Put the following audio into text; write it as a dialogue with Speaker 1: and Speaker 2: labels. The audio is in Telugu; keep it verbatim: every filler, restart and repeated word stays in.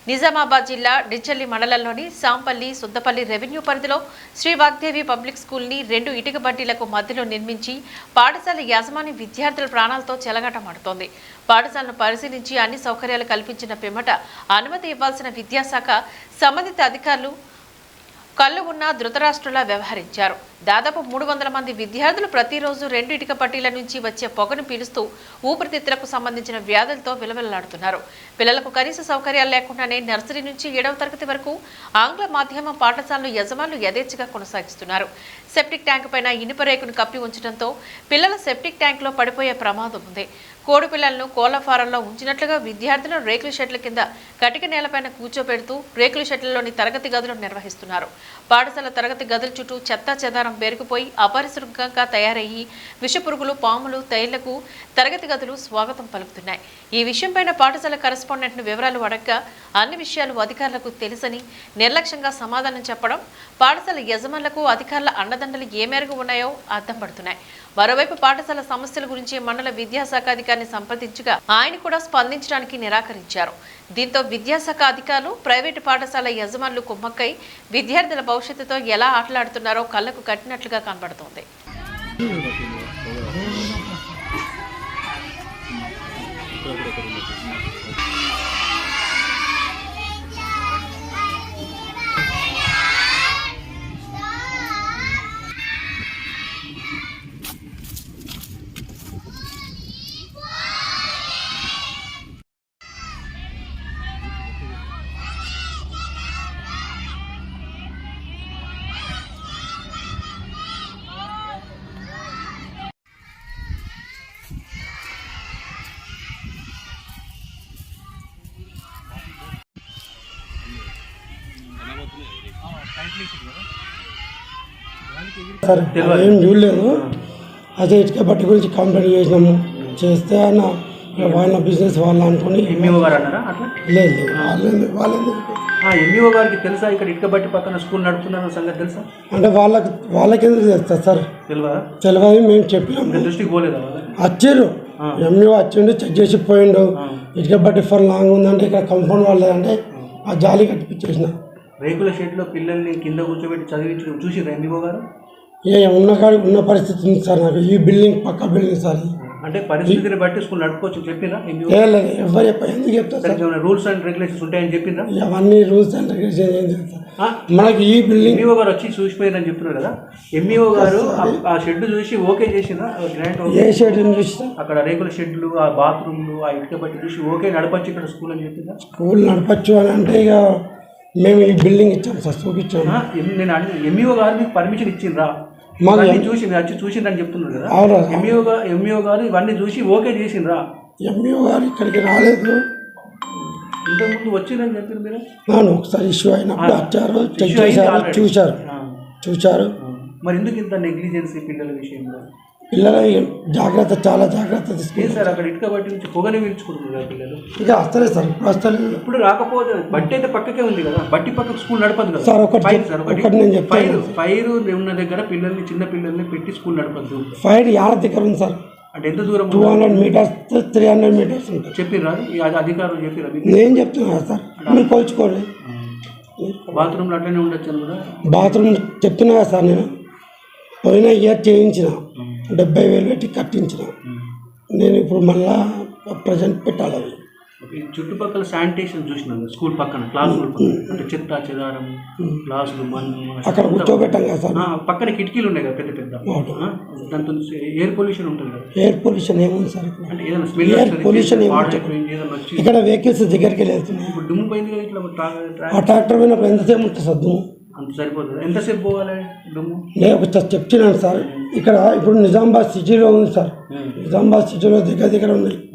Speaker 1: నిజామాబాద్ జిల్లా డిచల్లి మండలంలోని సాంపల్లి సుద్దపల్లి రెవెన్యూ పరిధిలో శ్రీ వాగ్దేవి పబ్లిక్ స్కూల్ని రెండు ఇటుక బట్టీలకు మధ్యలో నిర్మించి పాఠశాల యాజమాన్య విద్యార్థుల ప్రాణాలతో చెలగాటమాడుతోంది. పాఠశాలను పరిశీలించి అన్ని సౌకర్యాలు కల్పించిన పిమ్మట అనుమతి ఇవ్వాల్సిన విద్యాశాఖ సంబంధిత అధికారులు కళ్ళు ఉన్న ధృతరాష్ట్రులా వ్యవహరించారు. దాదాపు మూడు వందల మంది విద్యార్థులు ప్రతిరోజు రెండు ఇటుక పట్టీల నుంచి వచ్చే పొగను పీలుస్తూ ఊపిరితిత్తులకు సంబంధించిన వ్యాధులతో విలవిల్లాడుతున్నారు. పిల్లలకు కనీస సౌకర్యాలు లేకుండానే నర్సరీ నుంచి ఏడవ తరగతి వరకు ఆంగ్ల మాధ్యమ పాఠశాలను యజమానులు యథేచ్ఛగా కొనసాగిస్తున్నారు. సెప్టిక్ ట్యాంక్ పైన ఇనుప రేకును కప్పి ఉంచడంతో పిల్లల సెప్టిక్ ట్యాంక్ లో పడిపోయే ప్రమాదం ఉంది. కోడి పిల్లలను కోళ్ల ఫారంలో ఉంచినట్లుగా విద్యార్థులను రేకుల షెడ్ల కింద కటిక నేలపైన కూర్చోబెడుతూ రేకుల షెడ్లలోని తరగతి గదులు నిర్వహిస్తున్నారు. పాఠశాల తరగతి గదుల చుట్టూ చెత్తా చెదారం పేరుకుపోయి అపరిశుభ్రంగా తయారయ్యి విషపురుగులు, పాములు, తైళ్లకు తరగతి గదులు స్వాగతం పలుకుతున్నాయి. ఈ విషయంపైన పాఠశాల కరెస్పాండెంట్ను వివరాలు అడగగా అన్ని విషయాలు అధికారులకు తెలుసని నిర్లక్ష్యంగా సమాధానం చెప్పడం పాఠశాల యజమానులకు అధికారుల అండదండలు ఏ మేరకు ఉన్నాయో అర్థం పడుతున్నాయి. మరోవైపు పాఠశాల సమస్యల గురించి మండల విద్యాశాఖ అధికారిని సంప్రదించగా ఆయన కూడా స్పందించడానికి నిరాకరించారు. దీంతో విద్యాశాఖ అధికారులు ప్రైవేటు పాఠశాల యజమానులు కుమ్మక్కై విద్యార్థుల భవిష్యత్తుతో ఎలా ఆటలాడుతున్నారో కళ్లకు కట్టినట్లుగా కనబడుతోంది.
Speaker 2: సార్ ఏం చూడలేదు. అదే ఇటుక బట్టి గురించి కంప్లైంట్ చేసినాము. చేస్తే ఆయన వాళ్ళ బిజినెస్ వాళ్ళు అనుకుని
Speaker 3: ఎంఈఓ గారు అన్నారా అట్లా?
Speaker 2: లేదు లేదు వాళ్ళేంది వాళ్ళేంది
Speaker 3: ఎంఈఓ గారికి తెలుసా ఇక్కడ ఇటుక బట్టి పక్కన స్కూల్ నడుపుతున్న సంగతి తెలుసా?
Speaker 2: అంటే వాళ్ళకి వాళ్ళకి ఎందుకు తెలుస్తుంది సార్?
Speaker 3: తెలియదా?
Speaker 2: తెలియదు. మేము చెప్పినాము,
Speaker 3: దృష్టికి పోలేదా?
Speaker 2: వచ్చారు ఎంఈఓ వచ్చిండు, చెక్ చేసి పోయిండు. ఇటుక బట్టి ఫర్ లాంగ్ ఉందంటే ఇక్కడ కంపౌండ్ వాళ్ళదంటే ఆ జాలి కట్టిపించేసిన.
Speaker 3: రేకుల షెడ్లో పిల్లల్ని కింద కూర్చోబెట్టి చదివించడం చూసిరా ఎంఈఓ గారు?
Speaker 2: ఏ ఉన్న కాడి ఉన్న పరిస్థితి ఉంది సార్. నాకు ఈ బిల్డింగ్ పక్క బిల్డింగ్ సార్.
Speaker 3: అంటే పరిస్థితిని బట్టి స్కూల్ నడుపుకోవచ్చు చెప్పినా?
Speaker 2: లేదు ఎవరు చెప్పారు, ఎందుకు చెప్తారు?
Speaker 3: రూల్స్ అండ్ రెగ్యులేషన్స్ ఉంటాయని చెప్పినా?
Speaker 2: అవన్నీ రూల్స్ అండ్ రెగ్యులేషన్ ఏం చెప్తారు మనకి ఈ బిల్డింగ్.
Speaker 3: ఎంఈఓ గారు వచ్చి చూసిపోయారని చెప్తున్నారు కదా, ఎంఈఓ గారు ఆ షెడ్ చూసి ఓకే చేసిందా? గ్రాంట్
Speaker 2: ఏ షెడ్ చూసి
Speaker 3: అక్కడ రేకుల షెడ్లు, ఆ బాత్రూమ్లు, ఆ ఇటుక బట్టి చూసి ఓకే నడపచ్చు ఇక్కడ స్కూల్ అని చెప్పిందా?
Speaker 2: స్కూల్ నడపచ్చు అని అంటే ఇక మేము ఈ బిల్డింగ్ ఇచ్చాము సార్, చూపించాము.
Speaker 3: నేను ఎంఈఓ గారు మీకు పర్మిషన్ ఇచ్చిండ్రా? మాకు చూసి మీరు వచ్చి చూసిండ్రని చెప్తున్నారు కదా, ఎంఈఓ గారు ఎంఈఓ గారు ఇవన్నీ చూసి ఓకే చేసిండ్రా?
Speaker 2: ఎంఈఓ గారు ఇక్కడికి రాలేదు,
Speaker 3: ఇంతకుముందు వచ్చిందని చెప్పారు మీరు.
Speaker 2: అవును, ఒకసారి ఇష్యూ అయినప్పుడు వచ్చారు, చెక్ చేశారు, చూశారు చూశారు
Speaker 3: మరి ఎందుకు ఇంత నెగ్లిజెన్సీ పిల్లల విషయంలో?
Speaker 2: పిల్లల జాగ్రత్త, చాలా జాగ్రత్త తీసుకుంటారు
Speaker 3: సార్. అక్కడ ఇటుక బట్టి నుంచి పొగని పీల్చుకుంటున్నారు పిల్లలు.
Speaker 2: ఇక వస్తలేదు సార్, ఇప్పుడు వస్తలేదు.
Speaker 3: ఇప్పుడు రాకపోతే బట్టి అయితే పక్కకే ఉంది కదా, బట్టి పక్కకు స్కూల్ నడపదు కదా
Speaker 2: సార్. ఒకటి
Speaker 3: సార్,
Speaker 2: ఒకటి నేను చెప్తాను,
Speaker 3: ఫైర్ ఉన్న దగ్గర పిల్లల్ని, చిన్న పిల్లల్ని పెట్టి స్కూల్ నడపద్దు.
Speaker 2: ఫైర్ యాడ దగ్గర ఉంది సార్?
Speaker 3: అంటే ఎంత దూరం?
Speaker 2: Two hundred metres three hundred metres ఉంటుంది.
Speaker 3: చెప్పిర్రా అధికారులు? చెప్పిరా?
Speaker 2: నేను చెప్తున్నా సార్, మీరు కోల్చుకోండి.
Speaker 3: బాత్రూమ్లో అట్లనే ఉండొచ్చు కదా?
Speaker 2: బాత్రూమ్ చెప్తున్నా కదా సార్, నేను పోయిన ఇయర్ చేయించిన, డెబ్బై వేలు పెట్టి కట్టించిన. నేను ఇప్పుడు మళ్ళా ప్రజెంట్ పెట్టాలి. అవి
Speaker 3: చుట్టుపక్కల శానిటేషన్ చూసినాను స్కూల్ పక్కన, క్లాసులు అంటే చెత్త చెదారం, క్లాసులు, మన్ను
Speaker 2: అక్కడ కూర్చోబెట్టాం కదా సార్.
Speaker 3: పక్కన కిటికీలు ఉన్నాయి కదా పెద్ద పెద్ద, దాంతో ఎయిర్ పొల్యూషన్ ఉంటుంది కదా?
Speaker 2: ఎయిర్ పొల్యూషన్ ఏముంది సార్?
Speaker 3: అంటే ఏదైనా స్మెల్,
Speaker 2: ఎయిర్ పొల్యూషన్ ఇక్కడ వెహికల్స్ దగ్గరికి వెళ్తున్నాయి.
Speaker 3: ఇప్పుడు దుమ్ము పోయింది కదా ఇట్లా,
Speaker 2: ఆ ట్రాక్టర్ పోయినప్పుడు ఎంతసేపు ఉంటుంది సార్ దుమ్ము?
Speaker 3: అంత సరిపోతుంది. ఎంతసేపు పోవాలి దుమ్ము?
Speaker 2: నేను ఒకసారి చెప్తున్నాను సార్, ఇక్కడ ఇప్పుడు నిజామాబాద్ సిటీలో ఉంది సార్, నిజామాబాద్ సిటీలో దగ్గర దగ్గర ఉన్నాయి